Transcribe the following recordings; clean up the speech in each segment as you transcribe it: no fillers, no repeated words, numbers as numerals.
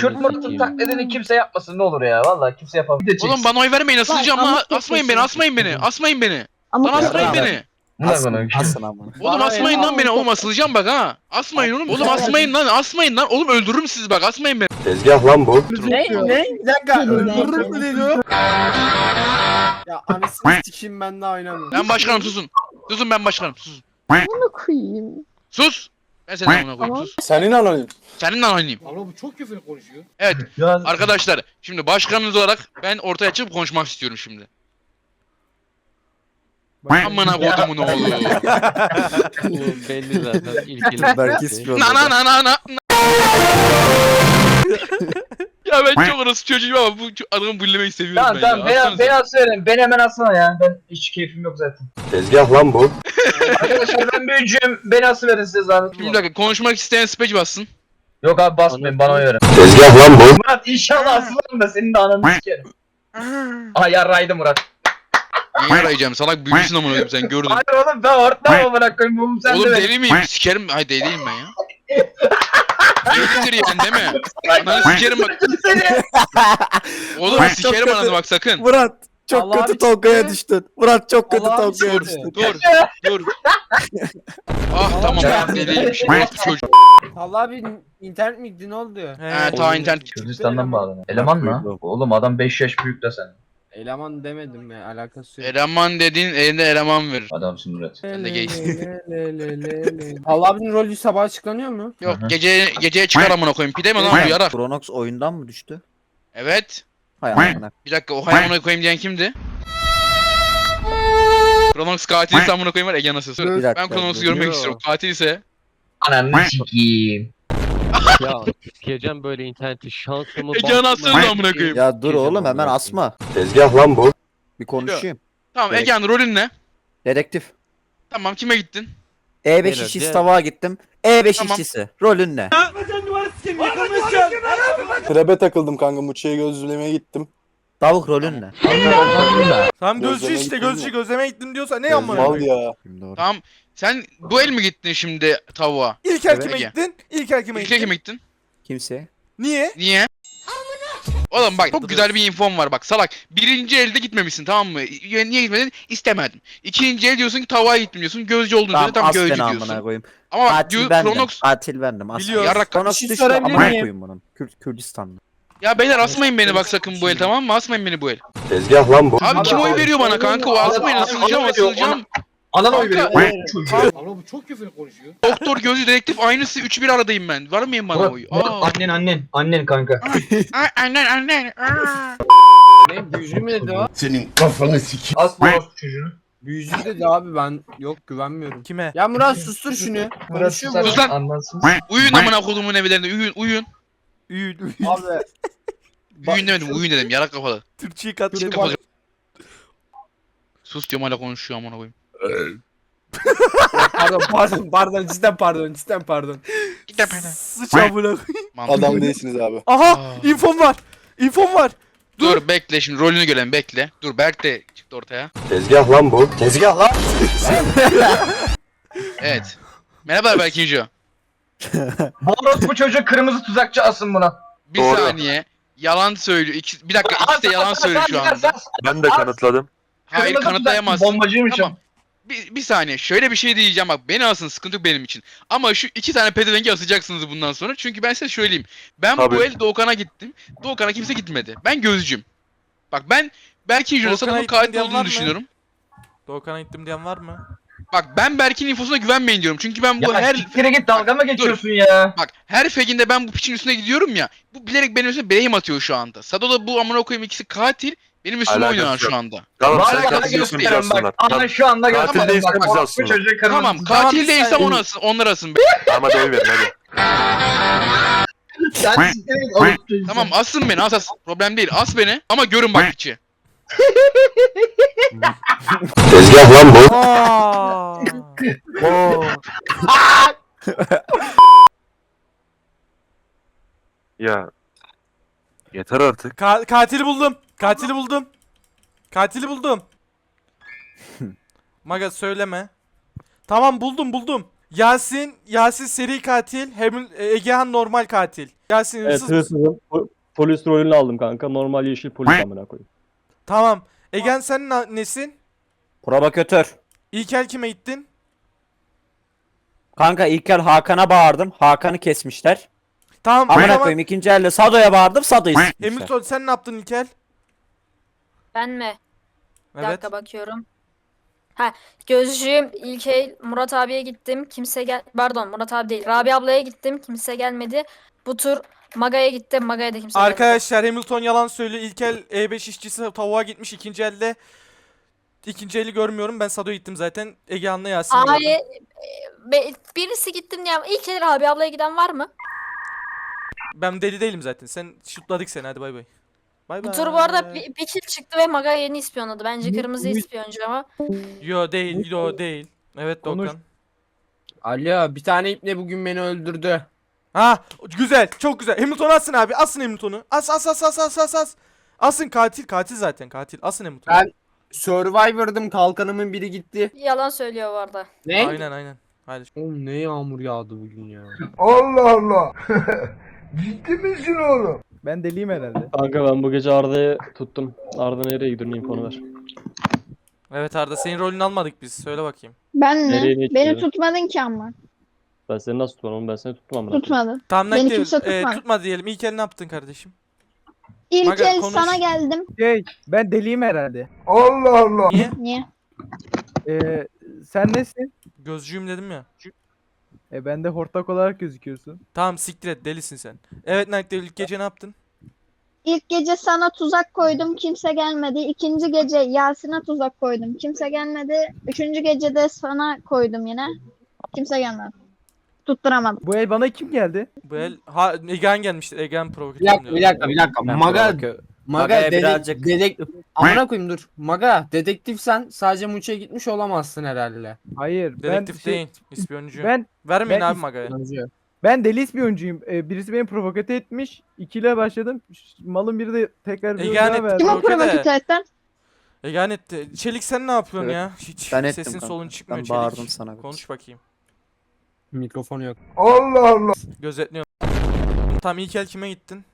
Kürt Murat'ın taklidini kimse yapmasın ne olur ya. Vallahi kimse yapamaz. Oğlum bana oy vermeyin, asılacağım Ama lan. çok Asmayın beni, teşekkür asmayın beni, asmayın beni. Ama Lan asmayın Ya, beni. Asın amına. Oğlum asmayın lan beni, oğlum asılacağım bak ha. Asmayın oğlum, oğlum asmayın lan, asmayın lan. Oğlum öldürürüm sizi bak, asmayın beni. Tezgah lan bu. Ne? Bir dakika. Öldürürüm mü dedi o? Ya anasını sikeyim ben daha oynamıyorum. Ben başkanım, susun. Susun, ben başkanım, susun. bunu koyayım. Sus. Ben senin amına koyayım, Tamam. sus. Senin anonim. Seninle oynayayım. Ama bu çok küfür konuşuyor. Evet Ya arkadaşlar, şimdi başkanınız olarak ben ortaya çıkıp konuşmak istiyorum şimdi. Amına kodumun oğlu. Oğlum belli zaten ilk Belki istiyor. Na na na na na. Ya ben çok orası çocuğum ama bu adamı bullemeyi seviyorum tamam ben tamam ya. beni, Aslanız. beni asıyorum. Beni hemen asma ya. Ben hiç keyfim yok zaten. Tezgah lan bu. Arkadaşlar ben büyücüyüm. Beni asıverin size zahmet. Bir dakika, konuşmak isteyen speci bassın. Yok abi basmayın bana oy verin. Tezgah lan bu. Murat inşallah asılırım da senin de ananı sikerim. Aha yarraydı Murat. Niye arayacağım? Salak büyüsün amına koyayım, sen gördün. Hayır oğlum ben ortamı bırakayım. Bunu sen Oğlum de ver. deli miyim? Sikerim. Hayır deli değilim ben ya. Delidir yani değil mi? Ananı sikerim bak. Oğlum Bak, sikerim çok ananı bak sakın. Murat çok Allah kötü abi Tolga'ya işte. düştün. Murat çok kötü Allah abi Tolga'ya işte. düştün. Dur. Ah tamam ben deliyim şimdi. Orası çocuk. Allah abi internet mi gitti ne oldu? He ta internet gitti. Kürdistan'dan bağlanıyor. Eleman mı? Oğlum adam 5 yaş büyük de sen. Eleman demedim ya alakası yok. Eleman dediğin elinde eleman verir. Adamsın Murat. Sen de gaysin. Allah abinin rolü sabah açıklanıyor mu? Yok Hı hı. geceye çıkar amına koyayım. Pide mi lan bu yarak? Kronox oyundan mı düştü? Evet. Hay amına. Bir dakika, o hay amına koyayım diyen kimdi? Kronox katilse amına koyayım var Ege nasıl? Bir dakika, Ben Kronox'u dur. görmek Yo. istiyorum. Katil ise Ananı sikiyim. Ya sikeceğim böyle interneti şansımı Ege anasını amına koyayım. Ya dur oğlum hemen asma. Tezgah lan bu. Bir konuşayım. Tamam Ege'nin rolün ne? Dedektif. Tamam kime gittin? E5 Beyler, işçisi diğer- tabağa gittim. E5 Tamam. işçisi. Rolün ne? Trebe takıldım kanka. Muçi'ye gözlemeye gittim. Tavuk rolün ne? Tamam gözcü Gözleme işte gittin gözcü mi? gözleme gittim diyorsa ne amına Mal koyayım? ya. Doğru. Tamam. Sen bu el mi gittin şimdi tavuğa? İlk el kime Ege. gittin? İlk el kime İlk gittin? kime gittin? Kimse. Niye? Niye? Oğlum bak çok güzel bir infom var bak salak. Birinci elde gitmemişsin tamam mı? Niye gitmedin? İstemedim. İkinci el diyorsun ki tavuğa gittim diyorsun. Gözcü olduğunu Tamam söyle tam as gözcü beni amına diyorsun. koyayım. Ama bak Katil bendim. Kronox... Katil bendim. As. Biliyoruz. Yarrak Kronox şey düştü sorabilir amına miyim? koyayım bunun. Kürdistan'da. Ya beyler asmayın beni bak sakın bu el tamam mı? Asmayın beni bu el. Tezgah lan bu. Abi kim oy veriyor bana kanka? O asmayın asılacağım asılacağım. Anan oy veriyor. Kanka. Çocuğu. Ama bu çok küfür konuşuyor. Doktor gözcü dedektif aynısı 3-1 aradayım ben. Var mıyım bana oy? Aa. Annen kanka. Annen. Ne büyücü mü dedi o? As bu orospu çocuğunu. Büyücü dedi abi ben yok güvenmiyorum. Kime? Ya Murat sustur şunu. Murat Konuşuyor susar bu. Sus lan. anlansın. Uyuyun amına kodumun evlerinde uyuyun. Üyül. Abi Uyuyun demedim uyuyun dedim yarak kafalı. Türkçeyi kat. Çık kafalı. Sus diyorum hala konuşuyor amına koyayım. cidden pardon. Git de bana. Sıç amına koyayım. Mantıklı. Adam değilsiniz abi. Aha Aa. infom var. İnfom var. Dur bekle şimdi rolünü görelim bekle. Dur Berk de çıktı ortaya. Tezgah lan bu. Tezgah lan. Evet. Merhaba Berk İnce. Bu orospu çocuğu kırmızı tuzakçı asın buna. Bir saniye. Yalan söylüyor. Bir dakika ikisi de yalan söylüyor şu anda. Ben de kanıtladım. Hayır kanıtlayamazsın. Bombacıymışım. Tamam. Bir saniye şöyle bir şey diyeceğim bak beni asın sıkıntı yok benim için. Ama şu iki tane pedevengi asacaksınız bundan sonra. Çünkü ben size söyleyeyim. Ben Tabii. bu el Doğukan'a gittim. Doğukan'a kimse gitmedi. Ben gözcüm. Bak ben Berk'in Doğukan'a Juras'ın gittim katil diyen var olduğunu mı? düşünüyorum. Doğukan'a gittim diyen var mı? Bak ben Berk'in infosuna güvenmeyin diyorum. Çünkü ben bu Ya her siktire git dalga mı geçiyorsun ya? bak her feginde ben bu piçin üstüne gidiyorum ya. Bu bilerek benim üstüne blame atıyor şu anda. Sado da bu amına koyayım ikisi katil. Benim üstüme Alakası oynuyorlar yok. şu anda. Tamam sen Vallahi katil değilsin bizi gösteriyorum aslında. bak. Ana şu anda Katil gösterdim değilse bak. bizi Orospu aslında. çocuğu kırmızı Tamam tuzak. katil değilsem onu asın, onlar asın. Ama da oy verin hadi. Sen siktire git orospu çocuğu. Tamam asın beni as. Problem değil as beni ama görün bak piçi. Tezgah lan bu. Aa. Ya. Yeter artık. Katili buldum. Katili buldum. Katili buldum. Maga söyleme. Tamam buldum. Yasin seri katil, Egehan normal katil. Yasin Evet hırsız mısın? hırsızım. Polis rolünü aldım kanka. Normal yeşil polis amına koyayım. Tamam. Egen sen nesin? Provokatör. İlkel kime gittin? Kanka İlker Hakan'a bağırdım. Hakan'ı kesmişler. Tamam o Amına zaman koyayım ikinci elde Sado'ya bağırdım. Sado'yu sikmişler. Hamilton sen ne yaptın İlkel? Ben mi? Bir Evet. dakika bakıyorum. Ha, gözcüğüm İlkey Murat abiye gittim. Pardon, Murat abi değil. Rabia ablaya gittim. Kimse gelmedi. Bu tur Maga'ya gittim. Maga'ya da kimse gelmedi. Arkadaşlar Hamilton yalan söylüyor. İlkel E5 işçisi tavuğa gitmiş ikinci elde. İkinci eli görmüyorum. Ben Sado'ya gittim zaten. Ege An'la Yasin'i Ay, gördüm. birisi gittim diye. İlkel Rabia ablaya giden var mı? Ben deli değilim zaten. Sen şutladık seni. Hadi bay bay. Bay Bu bay. tur bu arada bir kill çıktı ve Maga yeni ispiyonladı. Bence kırmızı ispiyoncu ama. Yo değil. Yo değil. Evet Konuş. Doğukan. Alo, bir tane ipne bugün beni öldürdü. Ha güzel. Çok güzel. Hamilton'u asın abi. Asın Hamilton'u. As. Asın katil zaten katil. Asın Hamilton'u. Ben Survivor'dım, kalkanımın biri gitti. Yalan söylüyor bu arada. Ne? Aynen. Hadi. Oğlum ne yağmur yağdı bugün ya. Ben deliyim herhalde. Kanka ben bu gece Arda'yı tuttum. Arda nereye gidiyorsun infonu ver. Evet Arda senin rolünü almadık biz. Söyle bakayım. Ben Nereye mi? ne Beni gidiyorsun? tutmadın ki ama. Ben seni nasıl tutmam oğlum ben seni tuttum amına koyayım. Tutmadın. Tamam Beni nakde kimse tutmadı. tutma diyelim. İlk el ne yaptın kardeşim? İlk Maga, el konuş. sana geldim. Ben deliyim herhalde. Niye? Niye? Sen nesin? Gözcüyüm dedim ya. Ben de hortlak olarak gözüküyorsun. Tamam siktir et delisin sen. Evet nakde ilk gece ne yaptın? İlk gece sana tuzak koydum, kimse gelmedi. İkinci gece Yasin'e tuzak koydum, kimse gelmedi. Üçüncü gece de sana koydum yine. Kimse gelmedi. Tutturamadım. Bu el bana kim geldi? Bu el Egehan gelmiştir. Egehan Bir provokatör dakika, bir dakika, bir dakika. Ben Maga, provokatör. Maga Maga'ya birazcık- dedektif. Amına koyayım dur. Maga, dedektifsen sadece Muç'a gitmiş olamazsın herhalde. Hayır. Dedektif değil. İspiyoncu. Ben Vermeyin ben abi Maga'ya. ben deli ispiyoncuyum. Birisi beni provoke etmiş. İkiyle başladım. Malın biri de tekrar bir Egehan daha etti. verdi. Kim o Provoke de. provokatörden? Egehan etti. Çelik sen ne yapıyorsun Evet, ya? Hiç ben ettim sesin kanka. solun çıkmıyor Ben Çelik. bağırdım sana. Konuş bakayım. Mikrofonu yok. Gözetliyorum. Tamam ilk el kime gittin?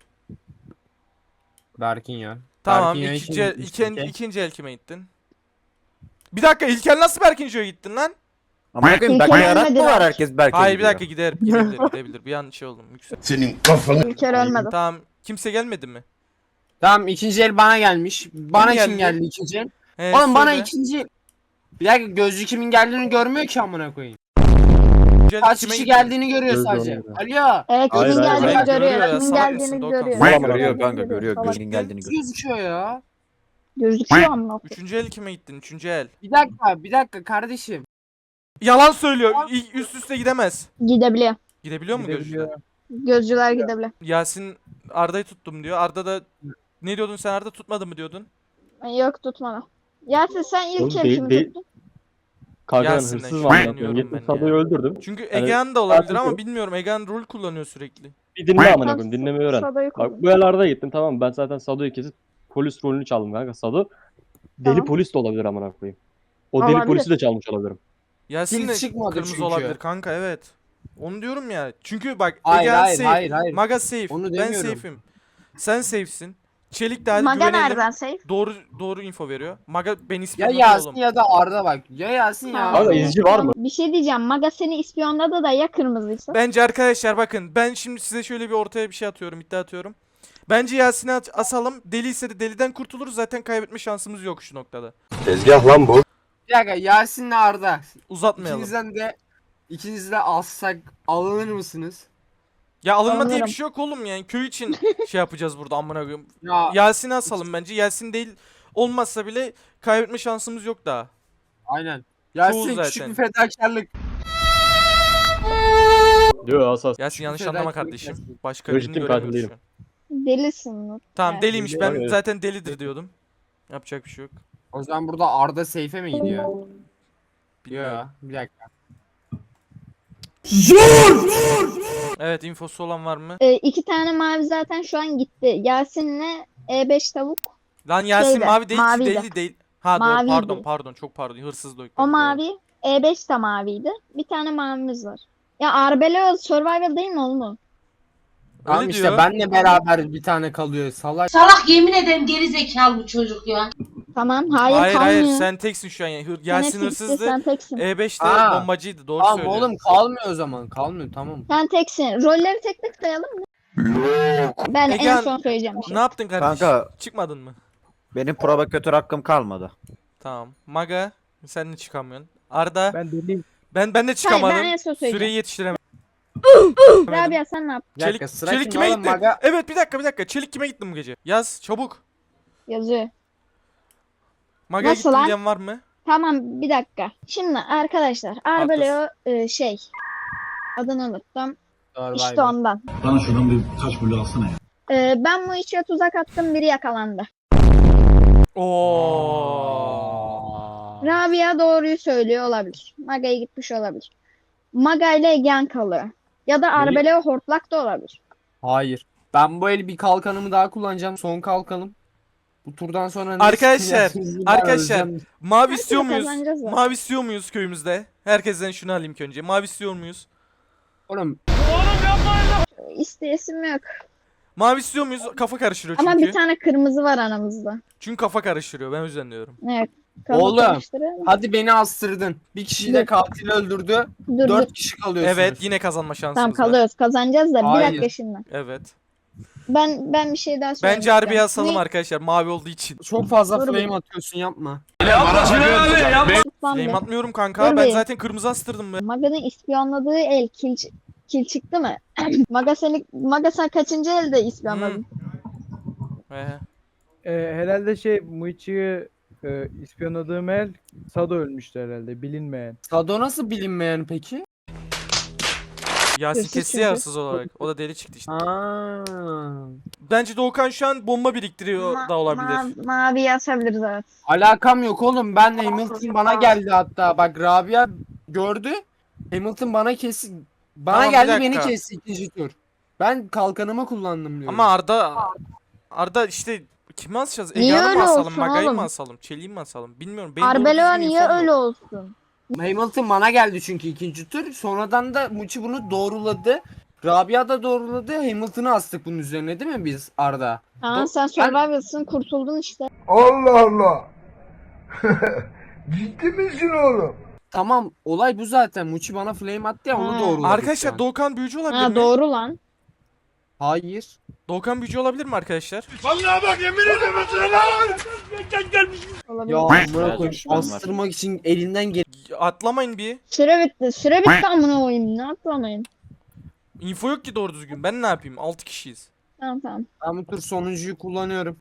Berkin ya. Tamam Berkin ya, ikinci el, gitmiştim ki. ikinci el kime gittin? Bir dakika ilk el nasıl Berkincio'ya gittin lan? Amına koyayım İlker Berkay yarat mı ölmedi var lan. herkes Berkay Hayır bir gidiyor. dakika gidebilir. Bir an şey oldum. Yüksel. İlker ölmedi. Tamam kimse gelmedi mi? Tamam, ikinci el bana gelmiş. Bana Kim kim geldi? geldi ikinci el? He, Oğlum bana söyle. ikinci... Bir dakika, gözcü kimin geldiğini görmüyor ki amına koyayım. İkinci el Kaç kime kişi gittin? geldiğini görüyor Gözcü sadece. onu Alo. Evet, Hayır, kimin hayır, geldiğini hayır. görüyor. Görüyor ya, Kimin salak geldiğini mısın Doğukan? görüyor. Salak Görüyor mısın? kanka görüyor. Salak. Gözün geldiğini görüyor. Gözüküyor ya. Gözüküyor ama. Üçüncü el kime gittin? Üçüncü el. Bir dakika kardeşim. Yalan söylüyor. Üst üste gidemez. Gidebiliyor. Gidebiliyor mu Gidebiliyor. gözcüler? Gözcüler gidebiliyor. Yasin Arda'yı tuttum diyor. Arda da ne diyordun sen Arda tutmadı mı diyordun? Yok tutmadı. Yasin sen ilk Oğlum, el değil- kimi değil. tuttun? Kanka ben Yasin'den hırsız var amına koyayım. şüpheleniyorum Gittim ben Sado'yu ya. öldürdüm. Çünkü Yani Egehan da olabilir zaten- ama bilmiyorum. Egehan rol kullanıyor sürekli. Bir dinle amına koyayım dinlemeyi öğren. Sado'yu Bak koydum. bu el Arda'ya gittim tamam mı? Ben zaten Sado'yu kesip polis rolünü çaldım kanka. Sado deli Tamam. polis de olabilir amına koyayım. O deli Olabilir. polisi de çalmış olabilirim. Yasin de Pil çıkmadı kırmızı çünkü. olabilir kanka evet. Onu diyorum ya. Çünkü bak Hayır, Egehan hayır, safe. hayır. Maga safe. Onu Ben demiyorum. safe'im. Sen safe'sin. Çelik de hadi Maga güvenelim. nereden safe? Doğru info veriyor. Maga beni Ya ispiyonladı Yasin oğlum. ya da Arda bak. Ya Yasin ya. Tamam. Kanka izci var mı? Bir şey diyeceğim. Maga seni ispiyonladı da ya kırmızıysa? Bence arkadaşlar bakın ben şimdi size şöyle bir ortaya bir şey atıyorum, iddia atıyorum. Bence Yasin'i asalım. Deli ise de deliden kurtuluruz. Zaten kaybetme şansımız yok şu noktada. Tezgah lan bu. Bir dakika, Yasin'le Arda. Uzatmayalım. İkiniz de alsak alınır mısınız? Ya alınma diye bir Anlarım. şey yok oğlum yani. Köy için şey yapacağız burada amına koyayım. Ya Yasin'i asalım bence. Yasin değil olmazsa bile kaybetme şansımız yok daha. aynen. Yasin zaten. küçük bir fedakarlık. Diyor asas. Yasin yanlış Şeyden anlama çok kardeşim. Yasin. Başka Yo, birini ciddi katil göremiyoruz şu değilim. an. Delisin Nur. Tamam Yani. deliymiş. Deli Ben var ya. zaten delidir diyordum. Yapacak bir şey yok. O zaman burada Arda seyfe mi gidiyor? Bilmiyorum. Yok, bir dakika. Evet infosu olan var mı? İki tane mavi zaten şu an gitti. Yasin'le E5 tavuk. Lan Yasin Şeyde, mavi değil ki maviydi. deli değil. Ha doğru Maviydi. pardon çok pardon hırsız da O mavi. E5 de maviydi. Bir tane mavimiz var. Ya Arbelo Survival değil mi oğlum o? Tamam Öyle işte diyor. benle beraber bir tane kalıyor salak. Salak yemin ederim geri zekalı bu çocuk ya. Tamam hayır, Hayır kalmıyor. hayır sen teksin şu an. Yasin hırsızdı. Sen teksin. E5'te Aa, bombacıydı. Doğru Tamam söylüyor. oğlum kalmıyor o zaman. Kalmıyor tamam. Sen teksin. Rolleri tek tek sayalım mı? Ben en Egehan, son söyleyeceğim bir şey. Ne yaptın kardeşim? Kanka. Çıkmadın mı? Benim provokatör hakkım kalmadı. Tamam. Maga sen de çıkamıyorsun. Arda Ben deliyim. ben de Hayır, çıkamadım. ben en son söyleyeceğim. Süreyi yetiştiremedim. Rabia sen ne yaptın? Bir dakika, Çelik, sıra Çelik kimde kime oğlum, gitti? Maga? Evet bir dakika. Çelik kime gittin bu gece? Yaz çabuk. Yazıyor. Maga'ya Nasıl gittim lan? diyen var mı? Tamam bir dakika. Şimdi arkadaşlar Arbeleo adını unuttum. İşte ondan. Bana şuradan bir taş bulu alsana ya. Ben bu işe tuzak attım, biri yakalandı. Oo. Rabia doğruyu söylüyor olabilir. Maga'ya gitmiş olabilir. Maga ile Egen kalıyor. Ya da Arbeleo hortlak da olabilir. Hayır. Ben bu el bir kalkanımı daha kullanacağım. Son kalkanım. Bu turdan sonra ne Arkadaşlar, sıkıntı ben arkadaşlar. öleceğim. Mavi Her istiyor türlü muyuz? kazanacağız da. Mavi istiyor muyuz köyümüzde? Herkesten şunu alayım ki önce. Mavi istiyor muyuz? Oğlum İsteyesim yok. Mavi istiyor muyuz? Kafa karıştırıyor çünkü. Ama bir tane kırmızı var aramızda. Çünkü kafa karıştırıyor. Ben o yüzden diyorum. Evet. kafa Oğlum, karıştırıyor. hadi beni astırdın. Bir kişi de Dur. katil öldürdü. Dur 4 kişi kalıyorsunuz. Evet yine kazanma şansımız Tamam var. kalıyoruz. Kazanacağız da bir Hayır. dakika şimdi. Evet. Ben bir şey daha söyleyeyim. Bence harbiye asalım arkadaşlar mavi olduğu için. Çok fazla Dur flame bir. atıyorsun yapma. Flame atmıyorum kanka. Dur Ben bir. zaten kırmızı astırdım be. Maga'nın ispiyonladığı el kil çıktı mı? Maga sen kaçıncı elde ispiyonladın? Herhalde Muichi'yi ispiyonladığım el Sado ölmüştü herhalde. Bilinmeyen. Sado nasıl bilinmeyen peki? Yasin Hırsız kesti çünkü. ya hırsız olarak. O da deli çıktı işte. Aa. Bence Doğukan şu an bomba biriktiriyor da olabilir. Mavi yazabiliriz evet. Alakam yok oğlum. Ben Hamilton bana geldi hatta. Bak Rabia gördü. Hamilton bana kesti. Bana Tamam, bir geldi dakika. beni kesti ikinci tur. Ben kalkanımı kullandım diyorum. Ama Arda işte kimi asacağız? Niye Egehan'ı mı öyle asalım? olsun Maga'yı oğlum? mı asalım? Çelik'i mi asalım? Bilmiyorum. Benim doğru Arbeleo düzgün niye infom öyle yok. olsun? Hamilton bana geldi çünkü ikinci tur. Sonradan da Muçi bunu doğruladı. Rabia da doğruladı. Hamilton'ı astık bunun üzerine değil mi biz Arda? Aa, sen Survival'sın, kurtuldun işte. Allah Allah. Ciddi misin oğlum? Tamam olay bu zaten. Muçi bana flame attı ya onu Ha. doğruladık. şu Arkadaşlar an. Doğukan büyücü olabilir Ha mi? doğru lan. Hayır. Doğukan büyücü olabilir mi arkadaşlar? Vallahi bak yemin ederim lan. Olabilir. Ya amına Evet, koyayım şüphem var. astırmak için elinden gel. Atlamayın bir. Süre bitti. Süre bitti amına koyayım. Ne atlamayın. Info yok ki doğru düzgün. Ben ne yapayım? 6 kişiyiz. Tamam. Ben bu tur sonuncuyu kullanıyorum.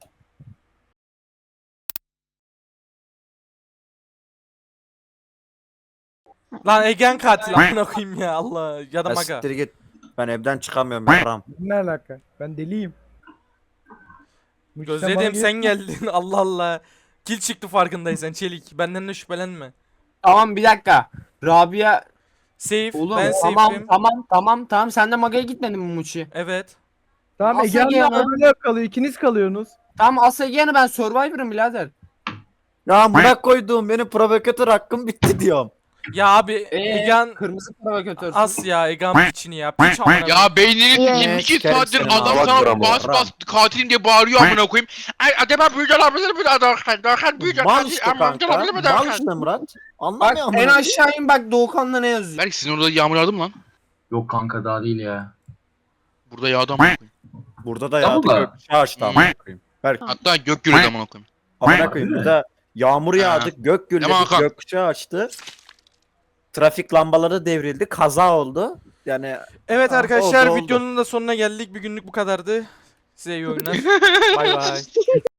Lan Egen katil amına koyayım ya Allah. Ya da Ya Maga. siktir git. Ben evden çıkamıyorum yaram. Ne alaka? Ben deliyim. Muichi, sen bana Gözledim sen gel- geldin. Allah Allah. Kil çıktı farkındaysan Çelik. Benden de şüphelenme. Tamam bir dakika. Rabia Safe. oğlum Ben tamam safe'im. tamam sen de Maga'ya gitmedin mi Muçi? Evet. Tamam Asla Egehan'la giyemem. Arbeleo kalıyor. İkiniz kalıyorsunuz. Tamam Asagiyan'ı ben Survivor'ım birader. Ya bırak koyduğum benim provokatör hakkım bitti diyorum. Ya abi Egan Kırmızı provokatörsün. as ya Egan piçini ya. Piç amına koyayım. Ya beynini Ya. 22 Sikerim saattir seni adam abi. sana Ram. bas bas katilim diye bağırıyor amına koyayım. Ay acaba büyücü olabilir mi Doğukan? Doğukan büyücü Mal katil işte ama kanka. olabilir mi Mal Doğukan? işte Murat. Bak Anlamıyor en musun? aşağı in bak Doğukan'da ne yazıyor. Berk sizin orada yağmur yağdı mı lan? Yok kanka daha değil ya. Burada yağdı amına koyayım. Burada da Tamam yağdı da. gökkuşağı açtı amına koyayım. Berk Hatta gök gürültü amına koyayım. amına koyayım burada yağmur yağdı, gök gürledi, Tamam, Hakan. gökkuşağı açtı. Trafik lambaları devrildi, kaza oldu. Yani Evet Ha, arkadaşlar oldu. videonun da sonuna geldik. Bir günlük bu kadardı. Size iyi oyunlar. Bay bay.